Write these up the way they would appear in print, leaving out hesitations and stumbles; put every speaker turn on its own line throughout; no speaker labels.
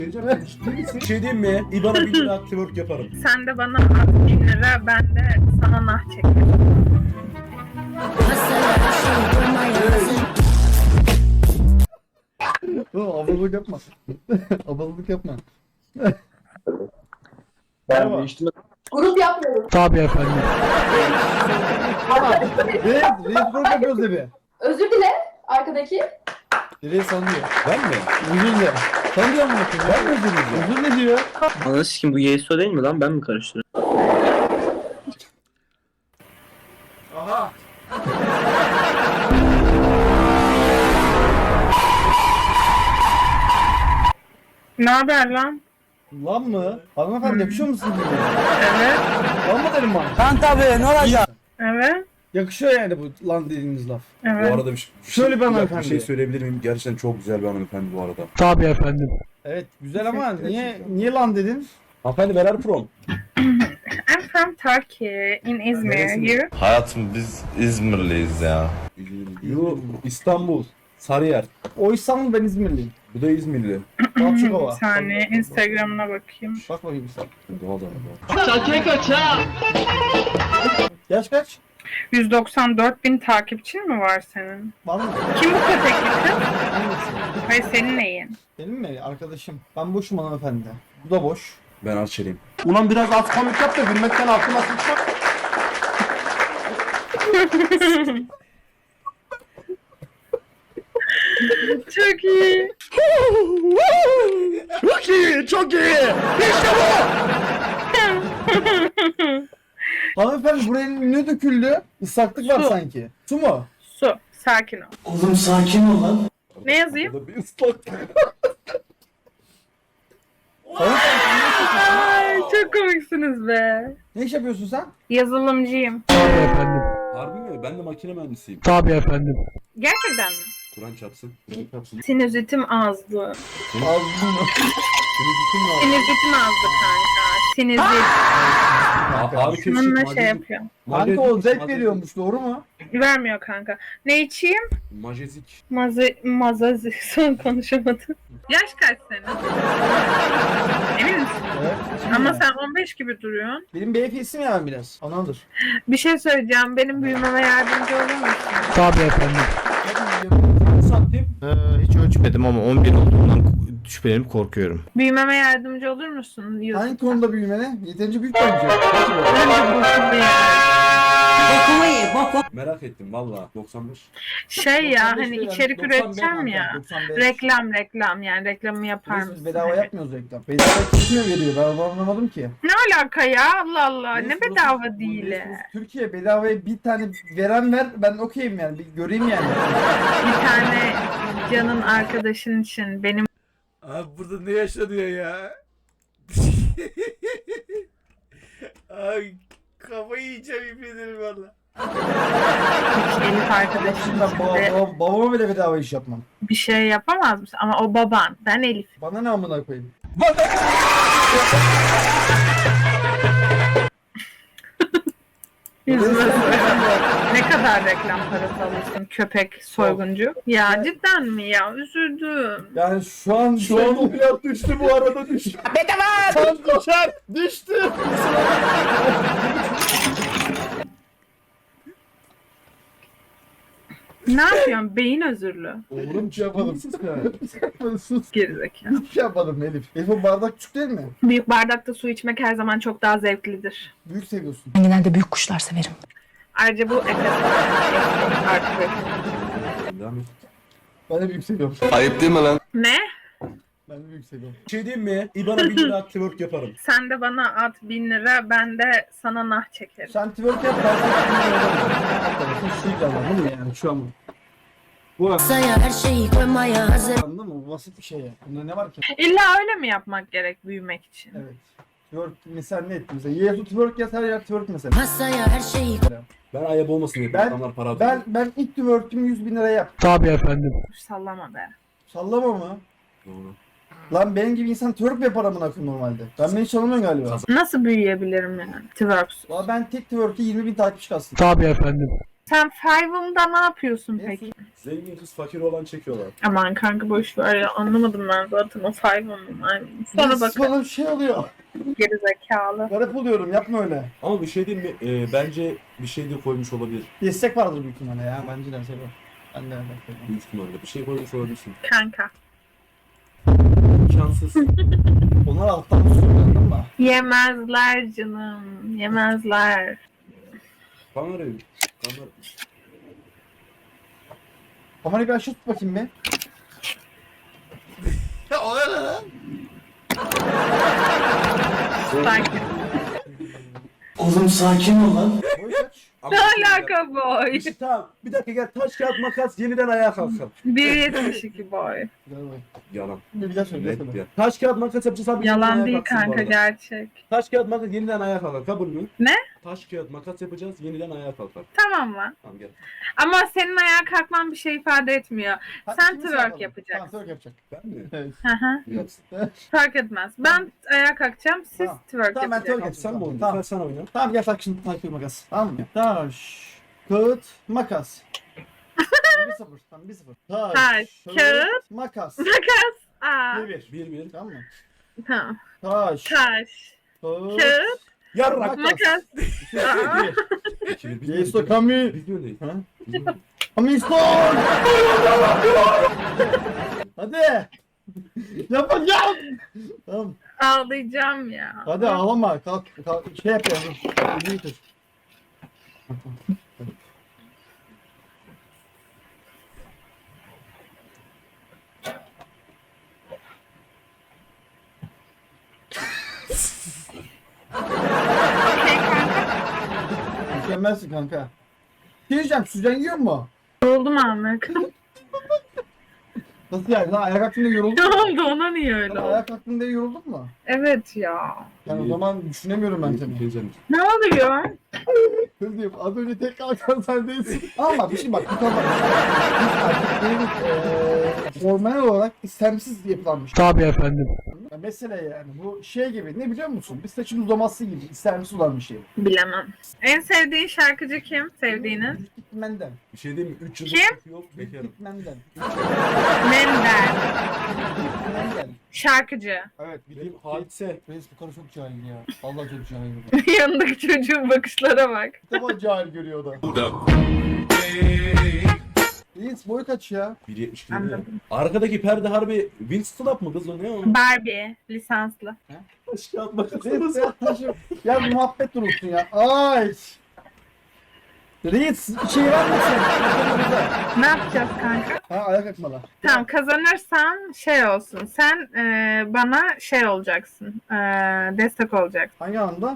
Bir şey diyeyim mi? İBAN'a 1 lira twerk yaparım.
Sen de bana at 1000 lira, ben de sana nah çekerim.
Abalık yapma. Abalık yapma.
Ben değiştim.
Grup yapmıyorum.
Tabii efendim.
Reis grup yapıyoruz de bir.
Özür dile arkadaki.
Reis sanıyor.
Ben mi?
Özür dile. Sanıyor mu?
Ben mi özür dileyeceğim?
Özür ne diyor?
Ananı sikim bu Yeiso değil mi lan? Ben mi karıştırıyorum?
Aha.
Ne haber lan?
Lan mı? Hanımefendi yakışıyor musun?
Evet.
Lan mı dedim bana?
Lan tabii ne olacak?
Evet.
Yakışıyor yani bu lan dediğiniz laf.
Bu
Evet.
arada
Şöyle bir
dakika,
hanımefendi.
bir şey söyleyebilir miyim? Gerçekten çok güzel bir hanımefendi bu arada.
Tabii efendim.
Evet güzel ama niye lan dedin?
Hanımefendi where are you from?
I'm from Turkey, in Izmir.
Neresinde?
You?
Hayatım biz İzmirliyiz ya.
You İstanbul. Sarıyer.
O İstanbul, ben İzmirliyim.
Bu da İzmirli.
Bir
Balçıkova.
saniye, Instagram'ına bakayım.
Bak bakayım sen.
Doğal doğal.
Yaş kaç?
194 bin takipçin mi var senin?
Var mı?
Kim bu köpekli kız?
Hangisi?
Hayır, senin neyin?
Benim mi? Arkadaşım. Ben boşum hanımefendi. Bu da boş.
Ben Arçeliyim.
Ulan biraz az komik yap da gülmekten aklıma sıçmak.
Çok iyi.
Çok iyi, çok iyi. İşte bu.
Hanımefendi buraya ne döküldü? Islaklık var
Su.
sanki. Su mu?
Su, sakin ol.
Oğlum sakin ol lan.
Ne yazayım?
Burada bir ıslak.
Ay, çok komiksiniz be.
Ne iş yapıyorsun sen?
Yazılımcıyım.
Tabii efendim.
Harbi mi? Ben de makine mühendisiyim.
Tabii efendim.
Gerçekten mi?
Kur'an çarpsın. Kur'an çarpsın.
Sinüzitim azdı.
Ağzını mı?
Sinüzitim azdı kanka. Sinüzit.
Abi kesin.
Bununla şey yapıyor.
Kanka o zevk veriyormuş, doğru mu?
Vermiyor kanka. Ne içeyim?
Majezik.
Mazazi. Son konuşamadım. Yaş kaç senin? Emin misin?
Evet.
Ama sen 15 gibi duruyorsun.
Benim BFS'im ya biraz. Anadır.
Bir şey söyleyeceğim. Benim büyümeme yardımcı olur musun?
Tabii efendim.
Santim.
Hiç ölçmedim ama 11 olduğundan şüphelenip korkuyorum.
Büyümeme yardımcı olur musun?
Hangi konuda büyümene? Yeterince büyük bence.
Merak ettim valla. 95.
Şey ya, hani
95
içerik
95
üreteceğim
kanka,
ya.
95.
Reklam yani reklamı yapar
Biz
mısın?
bedava yapmıyoruz reklam. Bedava kim veriyor? Ben onu anlamadım ki.
Ne alaka ya? Allah Allah. Ne
Reis,
bedava
burası-
değil.
Reis, burası Türkiye bedavaya bir tane veren ver, ben okeyim yani. Bir göreyim yani.
Bir tane canın arkadaşın için benim
Abi burada ne yaşanıyor ya? Ay kafayı yiyeceğim yemin ederim valla.
Elif arkadaşın
Ben
için de
babama bile bedava iş yapmam.
bir şey yapamaz mısın? Ama o baban. Ben Elif.
Bana ne amına koyayım?
Yüzüme ne kadar reklam parası alırsın köpek soyguncu? Ya cidden mi ya? Üzüldüm.
Yani şu an
o fiyat düştü bu arada düştü.
Tam düşer, düştü.
Ne yapıyorsun? Beyin özürlü.
Oğlum şey yapmadım. Sus ya. Sus.
Gerizekalı.
Hiçbir şey yapmadım Elif. Elif o bardak küçük değil mi?
Büyük bardakta su içmek her zaman çok daha zevklidir.
Büyük seviyorsun.
Ben genelde büyük kuşlar severim.
Ayrıca bu Efes artık.
Devam et.
Ben de büyük seviyorum.
Ayıp değil mi lan?
Ne?
Ben de büyük seviyorum.
Bir şey diyeyim mi? İBAN'a 1 lira twerk yaparım.
Sen de bana at 1000 lira, ben de sana nah çekerim.
Sen twerk yap, ben sana şu anladın mı yani şu an? Bu
Masaya her şeyi koymaya hazır.
anladın mı? Bu basit bir şey ya. Bunda ne var ki?
İlla öyle mi yapmak gerek büyümek için?
Evet. Twerk mesela ne etti mesela? Yesu twerk yaz, her yer twerk mesela.
Masaya her şeyi
Ben ayıp olmasın diye.
Ben-
Adamlar para atıyor.
Ben ilk twerk'ümü 100.000 liraya yap.
Tabii efendim.
Sallama be.
Sallama mı?
Doğru.
Lan benim gibi insan twerk mi yapar amına koyayım normalde? Ben beni çalamıyorum galiba.
Nasıl büyüyebilirim yani? Twerks.
Valla ben tek twerk'e 20.000 takipçi kalsın.
Tabii efendim.
Sen Five'ımda ne yapıyorsun peki?
Zengin kız fakir olan çekiyorlar.
Aman kanka boş ver ya, anlamadım ben zaten o Five'ımın. Sonra bak
Bana bir şey oluyor.
gerizekalı.
Garip oluyorum, yapma öyle.
Ama bir şey diyeyim mi? Bence bir şey de koymuş olabilir.
Destek vardır büyük ihtimalle ya. Bence de şey var. Ben de öyle.
Büyük ihtimalle. Bir şey koymuş olabilirsin.
Kanka.
İmkansız.
Onlar alttan tutuyor, anladın mı?
Yemezler canım. Yemezler.
Kamerayı. Kamera.
Kamerayı bir aşağı tut bakayım bir.
Ya o ne lan?
Sakin.
Oğlum sakin ol lan. Boy kaç?
Ne alaka boy?
İşte tamam. Bir dakika gel. Taş kağıt makas yeniden ayağa kalkalım.
1.72 boy.
Güzel boy.
Yalan.
Bir daha söyle.
Net ya. Taş kağıt makas yapacağız abi. yeniden
Yalan
ayağa
değil
kalksın bu
kanka,
arada.
gerçek.
Taş kağıt makas yeniden ayağa kalkar. Kabul mü?
Ne?
Taş kağıt makas yapacağız. Yeniden ayağa kalkar.
Tamam mı?
Tamam gel.
Ama senin ayağa kalkman bir şey ifade etmiyor. Sen
ikimiz
twerk
yapalım.
yapacaksın.
Tamam, twerk yapacak.
Ben mi?
Evet.
Hı hı.
Yapsın.
Fark etmez. Ben ayağa kalkacağım, siz
Tamam.
twerk
Tamam, ben
yapacaksınız.
twerk
Sen mi oynadın?
Tamam.
Sen oyna.
Tamam gel tak şimdi takip makas. Tamam mı? Taş, kağıt, makas. 1-0. Tamam 1-0.
Taş, kağıt,
makas.
Makas. Aa.
1-1.
1-1.
Tamam mı?
Tamam.
Taş,
Taş,
kağıt,
kağıt,
Yarrak.
makas. Aa.
2-1.
Yeso Kami.
Biz mi öndeyiz?
Ha?
Biz mi öndeyiz?
Amiston. Hadi. Yapacağım. Tamam.
Ağlayacağım ya.
Hadi ağlama. Kalk. Şey yap ya. Elini tut.
Okey kanka.
Mükemmelsin kanka. Şey diyeceğim, süzen yiyor mu?
Yoruldum Ahmet.
Nasıl yani? Lan ayak hakkında yoruldun
Ne
mu?
oldu, ona niye öyle
Lan
oldu?
ayak hakkında yoruldun mu?
Evet ya.
Yani o zaman düşünemiyorum ben seni.
Geleceğim.
Ne oluyor?
Kız diyeyim, az önce tek kalkan sen değilsin. Ama bir şey bak, bu kadar. Hormonal olarak istemsiz yapılan bir şey.
Tabii efendim.
Ya mesele yani bu şey gibi, ne biliyor musun? Bir saçın uzaması gibi istemsiz olan bir şey.
Bilemem. En sevdiğin şarkıcı kim? Sevdiğiniz?
Dikmenden.
Bir şey diyeyim mi? 3 yıldır
Kim?
çok yok. Bekarım.
Dikmenden.
Mender.
Dikmenden.
Şarkıcı.
Evet,
Bildiğim hadise.
Reis bu karı çok cahil ya. Allah çok cahil.
Yanındaki çocuğun bakışlara bak.
Bir defa cahil görüyor o da. Reis boyu kaç ya?
1.72.
Anladım.
Arkadaki perde harbi Winstop mı kız o ne o?
Barbie. Lisanslı.
Taş kağıt makas.
Reis ya taşı. Ya muhabbet durulsun ya. Ay. Reis şey var mısın?
Ne yapacağız kanka?
Ha ayak akmalı.
Tamam, kazanırsan şey olsun. Sen bana şey olacaksın. Destek olacaksın.
Hangi anlamda?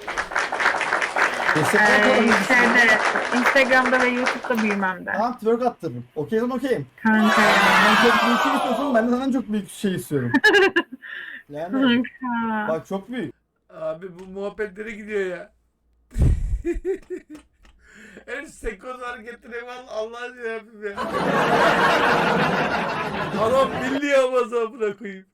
Şeyde, Instagram'da ve YouTube'da büyümemde.
Tamam twerk attırırım. Okeyim okeyim.
Kanka ya.
Sen çok büyük şey istiyorsun, ben de senden çok büyük şey istiyorum. Yani
Kanka.
bak çok büyük.
Abi bu muhabbetlere gidiyor ya. Her sekoz hareketine var Allah'ın yarabbim ya. Adam milli Amazon bırakayım.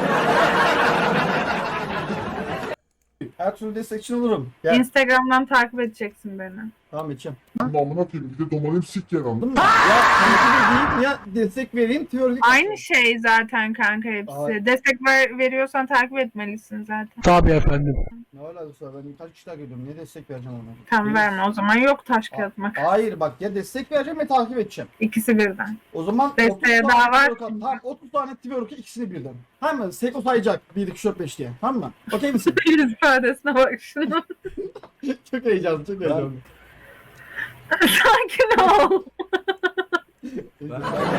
Her türlü destekçin olurum. Gel.
Instagram'dan takip edeceksin beni.
Tamam içeceğim.
Amına koyayım bir de domalim sik yer
Anladın mı? Ya takip edeyim ya destek vereyim twerk.
Aynı şey zaten kanka hepsi.
Ay.
Destek veriyorsan takip etmelisin zaten.
Tabii efendim.
Ne alakası var? Ben kaç kişi takip ediyorum. Niye destek vereceğim ona?
Tam verme o zaman, yok taş kağıt makas.
Hayır bak ya destek vereceğim ya takip edeceğim.
İkisi birden.
O zaman
Desteğe
30 tane
daha var.
twerk at. Tamam 30 tane twerk'ı ikisini birden. Tamam mı? Seko sayacak 1, 2, 3, 4, 5 diye. Tamam mı? Okey misin?
Yüz ifadesine bak şunu.
Çok heyecanlı, çok heyecanlı.
Sakin ol.
Ben-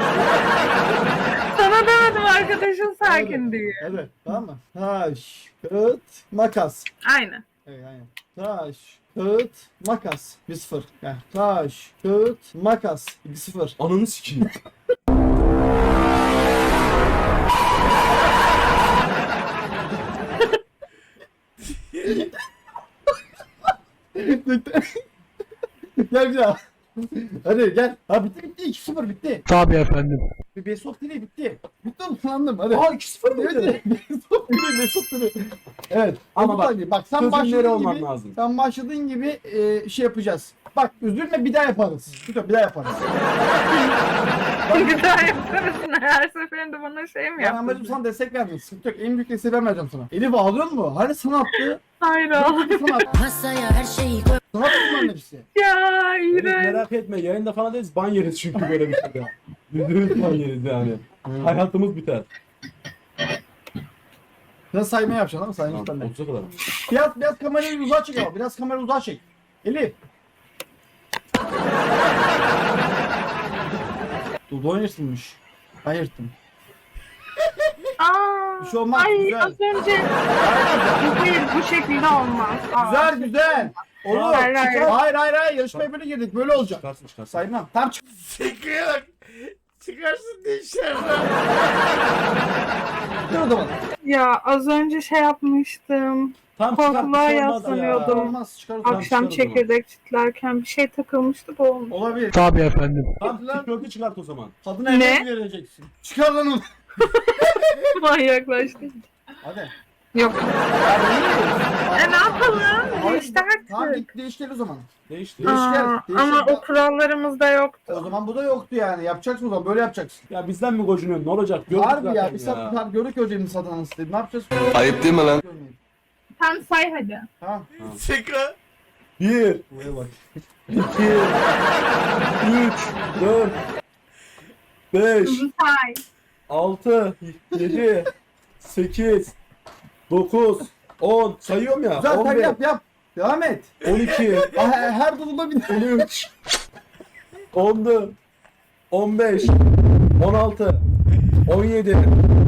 Sana demedim arkadaşın sakin
Hadi.
diye.
Hadi tamam mı? Taş, kağıt, makas.
Aynen.
Evet aynen. Taş, kağıt, makas. 1-0. Yani taş, kağıt, makas. 2-0.
Ananı sikeyim.
Gel bir daha. Hadi gel. Ha bitti 2-0 bitti.
Tabii efendim.
Bir Best of değil bitti. Bitti oğlum sandım hadi.
Aa 2-0 mı?
Evet Best of değil Best of değil. Evet.
Ama
Ama
bak,
bak sen
çözümleri
başladığın
olman
gibi
lazım.
sen başladığın gibi şey yapacağız. Bak üzülme bir daha yaparız. Bir daha yaparız.
Bir daha yaparız. Her seferinde bana şey mi
Ben amacım
yapıyorsun?
sana destek vermek. Sıkıntı yok. En büyük desteği ben vereceğim sana. Elif ağlıyor mu? Hani sana attı?
Hayır oğlum.
Sana attı.
Masaya her şeyi koy.
Sana attı bunların hepsi.
Ya
Elif,
iğrenç.
merak etme yayında falan değiliz. Ban yeriz çünkü böyle bir şeyde. %100 ban yeriz yani. Hayatımız biter.
Biraz sayma yapacaksın ama sayma
Tamam,
ben de.
30'a kadar.
Biraz kamerayı uzağa çek ama. Biraz kamerayı uzağa çek. Elif. Dudu oynasınmış. Ben yırttım.
Aa,
Bir şey olmaz,
ay
güzel.
az önce. Hayır bu şekilde olmaz. Aa,
Güzel. Olur.
Hayır, hayır.
Hayır. Yarışmaya böyle girdik. Böyle olacak.
Çıkarsın.
Saymam. Tamam çık.
Sekre'ye bak. Çıkarsın diye içeriden.
o zaman.
Ya az önce şey yapmıştım.
Tam
Korkuluğa yaslanıyordum.
Olmaz. Çıkar o zaman.
Akşam
çıkar o zaman.
çekirdek çitlerken bir şey takılmıştı da olmuş.
Olabilir.
Tabii efendim.
Hadi lan.
Tişörtü çıkart o zaman.
Kadına
Ne?
evde vereceksin. Çıkar lan onu.
Manyaklaştı.
Hadi.
Yok. Ne yapalım?
Hayır,
İşte
Tamam
artık.
git değiştir o zaman.
Değişti.
Değiş gel.
Aa,
Değiş
ama
gel.
o kurallarımızda yoktu.
O zaman bu da yoktu yani. Yapacaksın o zaman. Böyle yapacaksın.
Ya bizden mi gocunuyorsun? Ne olacak? Gördük
Harbi
zaten
ya. Bir saat gördük hocamın satanını istedim. Ne yapacağız?
Ayıp değil mi lan?
Görmeyin.
Sen say hadi.
Tamam.
Sekre.
1,
Buraya bak.
2, 3, 4, 5,
Hızlı say.
6, 7, 8, 9, 10. Sayıyorum ya.
Güzel sen
11,
yap. Devam et.
12,
Her durumda bir
13, 14, 15, 16, 17,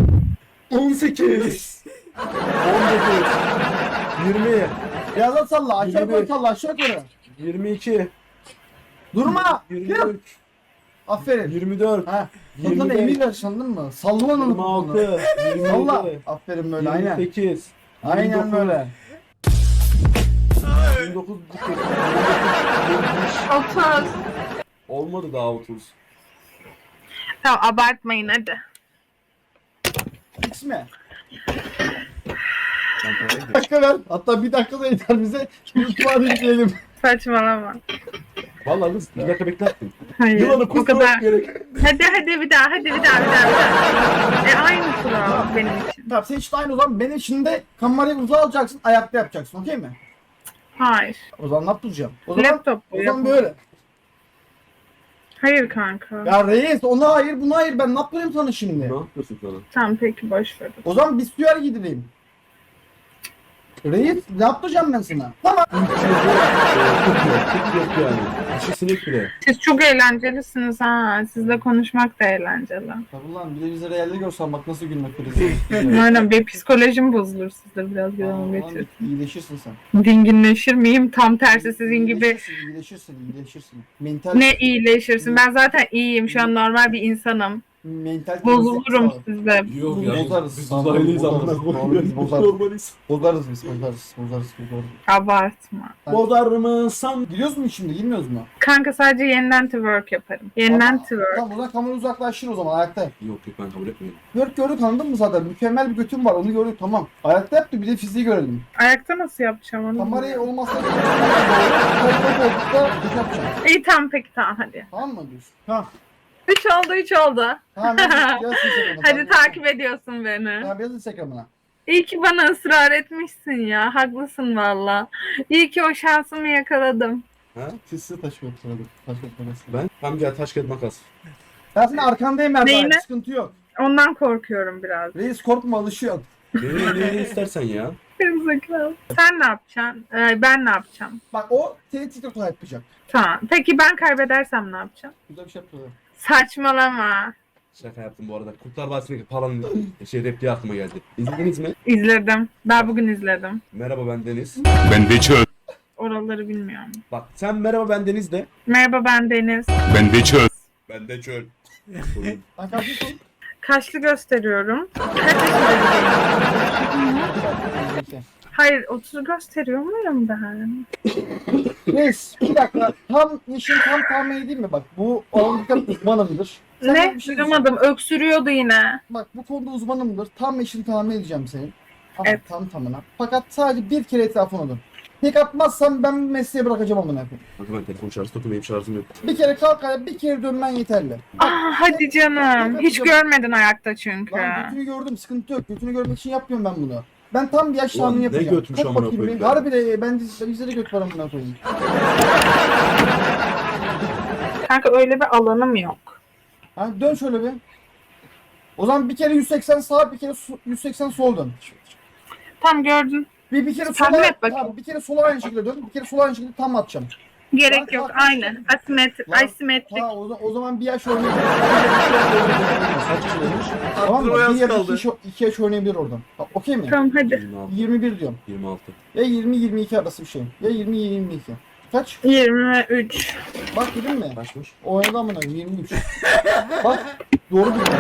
18, 19, 20,
Biraz da salla. Aşağı yukarı
21.
salla. Aşağı yukarı.
22,
Durma.
23,
Aferin.
24,
Ha. Ondan
25,
emir ver anladın mı? Salla onu.
26,
Salla.
27,
Aferin böyle aynen.
28,
Aynen böyle.
29,
30.
olmadı daha 30.
Tamam abartmayın hadi.
X mi? Bir dakika ver. Hatta bir dakika da yeter bize. YouTube'a yükleyelim.
Saçmalama.
Vallahi kız bir dakika beklettim.
Hayır.
Yılanı
O
kusturmak
kadar.
gerek.
Hadi bir daha. Aynı kural benim için.
Tamam sen işte aynı o zaman benim için de kamerayı uzağa alacaksın. Ayakta yapacaksın. Okey mi?
Hayır.
O zaman ne yapacağım? O zaman,
Laptop bu.
o zaman böyle.
Hayır kanka.
Ya reis ona hayır buna hayır ben ne yapayım sana şimdi?
Ne yapıyorsun sana?
Tamam peki boş ver.
O zaman bir süyer gideyim. Reis ne yapacağım ben sana? Tamam.
3 yok yani. İçi sinek bile.
Siz çok eğlencelisiniz ha. Sizle konuşmak da eğlenceli.
Tabii lan bir de bizi realde görsen bak nasıl gülmek krizi.
Aynen bir psikolojim bozulur sizde biraz gören geçir.
İyileşirsin sen.
Dinginleşir miyim? Tam tersi sizin gibi.
İyileşirsin. Mental,
Ne iyileşirsin? Ben zaten iyiyim. Şu an normal bir insanım.
mental
Bozulurum sizde.
Yok ya.
Bozarız.
Biz uzaylıyız amına
Bozarız.
koyayım.
Bozarız.
Normaliz.
Bozarız biz. Bozarız.
Abartma.
Bozar mısın?
Gidiyoruz mu şimdi? Girmiyoruz mu?
Kanka sadece yeniden twerk yaparım. Yeniden twerk.
Tamam o zaman kamera uzaklaşır o zaman ayakta.
Yok ben kabul etmiyorum.
Gördük anladın mı zaten? Mükemmel bir götüm var onu gördük tamam. Ayakta yaptı bir de fiziği görelim.
Ayakta nasıl yapacağım onu?
Kamerayı olmazsa koltukta yapacağım.
İyi tamam peki tamam hadi.
Tamam mı diyorsun? Tamam.
3 oldu.
Tamam yazın Instagram'ına.
Hadi takip ediyorsun beni.
Tamam yazın Instagram'ına.
İyi ki bana ısrar etmişsin ya. Haklısın valla. İyi ki o şansımı yakaladım.
Ha?
Sizi taş götürelim. Taş götürelim.
Ben? Tam gel taş kağıt makas.
Ben senin arkandayım Erdal.
Neyine?
Sıkıntı yok.
Ondan korkuyorum biraz.
Reis korkma alışıyor.
Ne istersen ya.
Gerizekalı. Sen ne yapacaksın? Ben ne yapacağım?
Bak o seni TikTok'ta yapacak.
Tamam. Peki ben kaybedersem ne yapacağım?
Güzel bir şey yapıyor.
Saçmalama.
Şaka yaptım bu arada. Kurtlar Vadisi'ndeki paranın repliği aklıma geldi. İzlediniz mi?
İzledim. Daha bugün izledim.
Merhaba ben Deniz.
Ben de çöl.
Oraları bilmiyorum.
Bak sen merhaba ben Deniz de.
Merhaba ben Deniz.
Ben de çöl.
Ben de çöl.
Ben kalkıyorsun.
Kaçlı gösteriyorum. Kaç yaşındayım? Hayır 30 gösteriyor muyum ben?
Reis bir dakika. Tam işin tam tahmin edeyim mi? Bak bu alanında uzmanımdır. Sen
Ne?
bir şey
Duyamadım. Öksürüyordu yine.
Bak bu konuda uzmanımdır. Tam işini tahmin edeceğim senin. Tamam,
Evet.
tam tamına. Fakat sadece bir kere etrafına dön. Tek atmazsam ben bu mesleği bırakacağım amına koyayım.
Kanka ben telefon şarjı takılayım şarjım yok.
Bir kere kalk ayağa, bir kere dönmen yeterli.
Hadi canım. Hiç görmedin ayakta çünkü.
Lan götünü gördüm, sıkıntı yok. Götünü görmek için yapmıyorum ben bunu. Ben tam bir yaş
Ulan
tahmini
ne
yapacağım.
götmüş
Kalk
amına
bakayım
koyayım
bir.
ya.
Harbi de bizde de göt var amına koyayım.
Kanka öyle bir alanım yok.
Ha, dön şöyle bir. O zaman bir kere 180 sağ, bir kere 180 sol dön.
Tam gördün.
Bir kere
Tahmin
sola,
et bakayım.
tamam, bir kere sola aynı şekilde dön. Bir kere sola aynı şekilde tam atacağım.
Gerek yok. Aynen. Asimetrik.
Ha, o zaman bir yaş oynayabilir.
Kaç kişi olmuş?
Tamam mı?
Aklıma
Bir
yaz
ya da
kaldı.
iki yaş oynayabilir oradan. Okey mi?
Tamam hadi.
26.
21 diyorum.
26.
Ya 20-22 arası bir şey. Ya 20-22. Kaç?
23.
Bak dedim mi?
Kaçmış?
Oynadı amına 23. Bak doğru bir.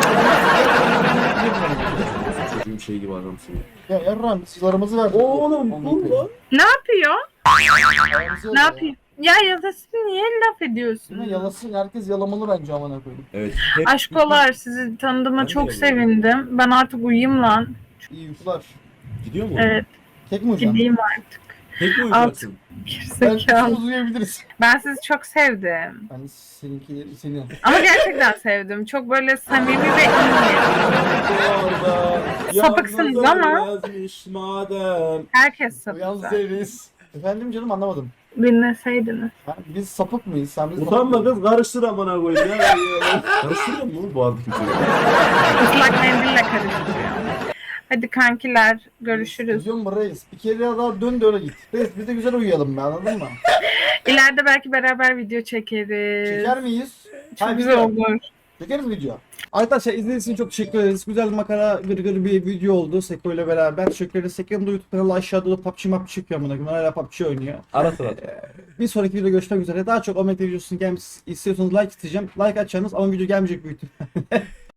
Çocuğun şey gibi adamsın ya.
Ya yarram silahımızı verdik.
Oğlum bu lan.
Ne yapıyor?
Silahımızı
Ne
verdik.
yapıyor? Ya yadasın niye laf
Değil mi?
ediyorsun?
Yalasın herkes yalamalı bence amına koyayım.
Evet. Hep
Aşkolar sizi tanıdığıma
Ben de
çok
öyle.
sevindim. Ben artık uyuyayım lan.
İyi uykular.
Gidiyor mu?
Evet
Tek mi uyuyacaksın?
gideyim artık.
Tek mi uyuyacaksın?
Ben
Gerizekalı.
uzayabiliriz.
Ben sizi çok sevdim.
Ben seninkileri seni.
Ama gerçekten sevdim. Çok böyle samimi ve iyi.
Orada
Sapıksınız
yalnız
ama.
yazmış madem.
Herkes
Yalnız
sapık.
değiliz. Efendim canım anlamadım.
Dinleseydiniz.
Ha, biz sapık mıyız? Sen biz
Utanma
sapık
kız karıştır amına koyayım ya. Karıştırıyor mu bu arada kötü?
Islak mendille karıştırıyor. Hadi kankiler görüşürüz.
Diyorum mu reis? Bir kere daha dön de öyle git. Reis biz de güzel uyuyalım be anladın mı?
İleride belki beraber video çekeriz.
Çeker miyiz?
Çok
Hayır,
güzel
video.
olur.
Çekeriz video. Arkadaşlar izlediğiniz için çok teşekkür ederiz. Güzel makara gırgır bir video oldu Seko ile beraber. Teşekkür ederiz. Seko'nun da YouTube kanalı aşağıda da PUBG map çıkıyor amına koyayım. Hala PUBG oynuyor.
Ara sıra.
Bir sonraki videoda görüşmek üzere. Daha çok Ahmet videosunun gelmesi istiyorsanız like isteyeceğim. Like atacağınız ama video gelmeyecek büyük ihtimalle.